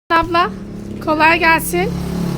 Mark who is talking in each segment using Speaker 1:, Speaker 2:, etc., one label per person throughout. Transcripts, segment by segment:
Speaker 1: Abla kolay gelsin.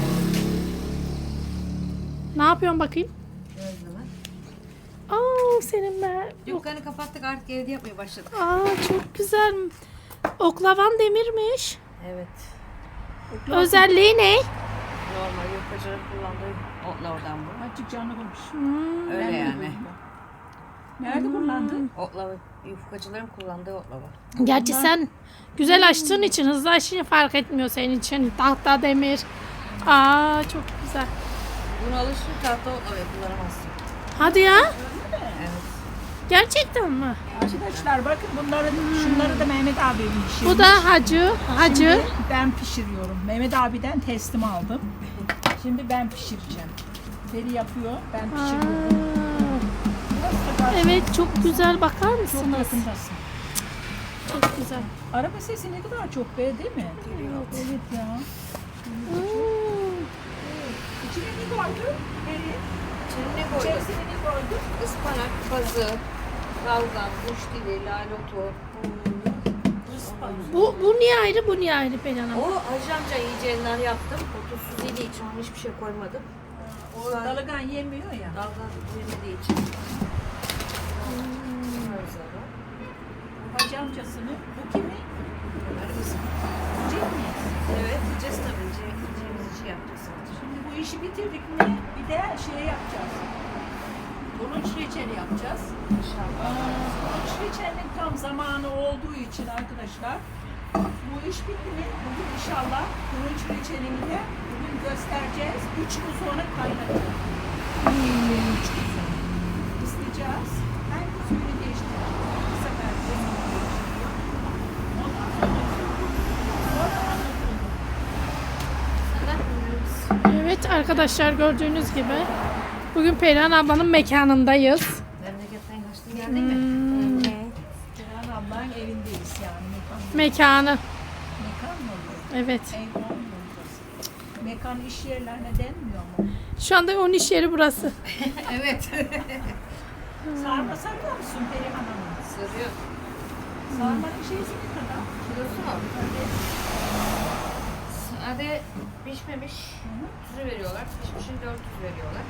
Speaker 1: Ne yapıyorsun bakayım?
Speaker 2: Gözleme.
Speaker 1: Aa senin be.
Speaker 2: Dükkanı kapattık, artık evde yapmaya başladık.
Speaker 1: Aa çok güzel. Oklavan demirmiş.
Speaker 2: Evet.
Speaker 1: Özelliği ne?
Speaker 2: Normal yufkacıların kullandığı otlardan bu.
Speaker 3: Açık canlı konuş.
Speaker 2: Öyle yani.
Speaker 3: Nerede kullandın?
Speaker 2: Otlava, yufkacıların kullandığı otlava.
Speaker 1: Gerçi sen güzel açtığın için, hızlı açtığın fark etmiyor senin için. Tahta demir. Aa çok güzel.
Speaker 2: Bunu alışır, tahta otlavayı kullanamazsın.
Speaker 1: Hadi ya.
Speaker 2: Evet.
Speaker 1: Gerçekten mi?
Speaker 3: Arkadaşlar bakın şunları da Mehmet abim pişirmiş.
Speaker 1: Bu da hacı.
Speaker 3: Şimdi ben pişiriyorum. Mehmet abiden teslim aldım. Şimdi ben pişireceğim. Beri yapıyor, ben pişiriyorum. Burası da karşı-
Speaker 1: Evet çok güzel, bakar
Speaker 3: Çok
Speaker 1: mısınız?
Speaker 3: yakındasın.
Speaker 1: Çok güzel.
Speaker 3: Araba sesi ne kadar çok be, değil mi? Evet ya. İçine ne koydun? Beri.
Speaker 2: İçine ne koyduk?
Speaker 3: İçerisine ne koydun?
Speaker 2: Ispanak, pazı, balgam, kuş dili, lalotu.
Speaker 1: Bu niye ayrı, bu niye ayrı Pelin Hanım?
Speaker 2: O Hacı amca yiyeceğinden yaptım. O tuzsuz yediği için ona hiçbir şey koymadım.
Speaker 3: O dalagan yemiyor ya.
Speaker 2: Dalga yemediği için.
Speaker 3: Hacı amcasını. Bu kimi? Cem mi?
Speaker 2: Evet, yiyeceğiz tabii. Yiyeceğimiz işi yapacağız.
Speaker 3: Şimdi bu işi bitirdik mi bir de şey yapacağız. Bunun reçeli yapacağız.
Speaker 2: İnşallah.
Speaker 3: Bunun reçelinin tam zamanı olduğu için arkadaşlar bu iş bitti mi? Bugün inşallah bunun reçelini de bugün göstereceğiz. 3 gün sonra kaynatacağız. 3 gün sonra. İsteyeceğiz. Her gün suyunu değiştireceğiz. Bu sefer suyunu değiştiriyor. Ondan sonra
Speaker 1: Evet arkadaşlar, gördüğünüz gibi bugün Perihan ablanın mekanındayız.
Speaker 2: Memleketten kaçtın geldin mi?
Speaker 3: Ceren ablanın evindeyiz yani.
Speaker 1: Mekanı.
Speaker 3: Mekan mı oluyor?
Speaker 1: Evet.
Speaker 3: Ev olmuyor burası. Mekan iş yerlerine denmiyor mu?
Speaker 1: Şu anda onun iş yeri burası.
Speaker 2: Evet.
Speaker 3: Sarma sarıyor musun Perihan Hanım?
Speaker 2: Sırıyor.
Speaker 3: Sarmanın şeysi ne kadar?
Speaker 2: Kilosu mu? Sade pişmemiş tuzu veriyorlar. Pişmişin 400 veriyorlar.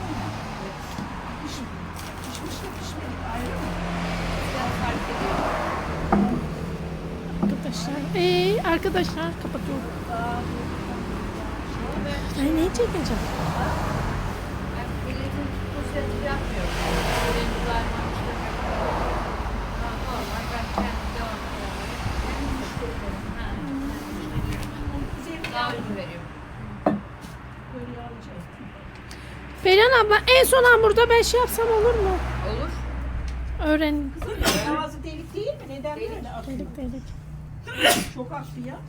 Speaker 3: Pişmişle pişmedik ayrı mı?
Speaker 2: Biraz fark ediyor.
Speaker 1: Arkadaşlar kapatıyorum. Ay ne çekeceğim?
Speaker 2: Ben milletin poşeti yapmıyorum. Böyle güzel mançlar yapmıyorum. Normal ben kendim devam ediyorum. Kendi müşterilerim. Daha ucuz veriyorum.
Speaker 3: Böyle alacağız.
Speaker 1: Perihan abla, en son hamurda ben şey yapsam olur mu?
Speaker 2: Olur.
Speaker 1: Öğrenin.
Speaker 3: Ağzı delik değil mi? Neden
Speaker 2: Delik.
Speaker 3: böyle akıyor?
Speaker 1: Dedik dedik.
Speaker 3: Çok aktı ya.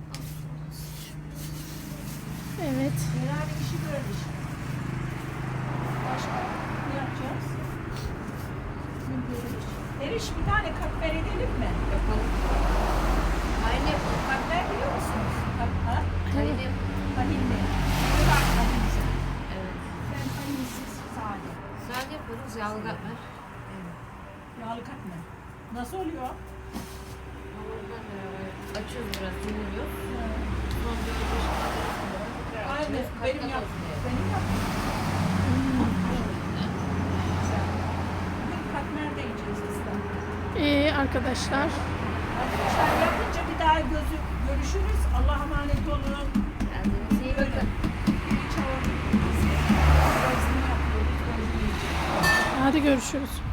Speaker 1: Evet.
Speaker 3: Genel işi böyle işte. Başka ne yapacağız? Eriş bir tane katmer edelim mi?
Speaker 2: Yapalım. Aynı yapalım.
Speaker 3: Katmer biliyor musunuz? Ha?
Speaker 2: Aynı yapalım.
Speaker 3: Tahinli. Bir bak tahinli.
Speaker 2: Evet.
Speaker 3: Ben tahinsiz sade.
Speaker 2: Sade yaparız. Yağlı katmer.
Speaker 3: Yağlı katmer. Nasıl oluyor?
Speaker 2: Hamurdan beraber açıyoruz biraz. Dinliyoruz. Sonra tekrar
Speaker 3: Aynı.
Speaker 2: açıyoruz.
Speaker 3: Benim
Speaker 2: Kat kat
Speaker 3: yap.
Speaker 2: olsun diye.
Speaker 3: Benim yap. Bugün katmer de yiyeceğiz biz de.
Speaker 1: Arkadaşlar.
Speaker 3: Arkadaşlar yapınca bir daha görüşürüz. Allah'a emanet olun.
Speaker 2: Kendinize iyi bakın.
Speaker 3: Hiç ağır. Biz de yapıyoruz.
Speaker 1: Hadi görüşürüz.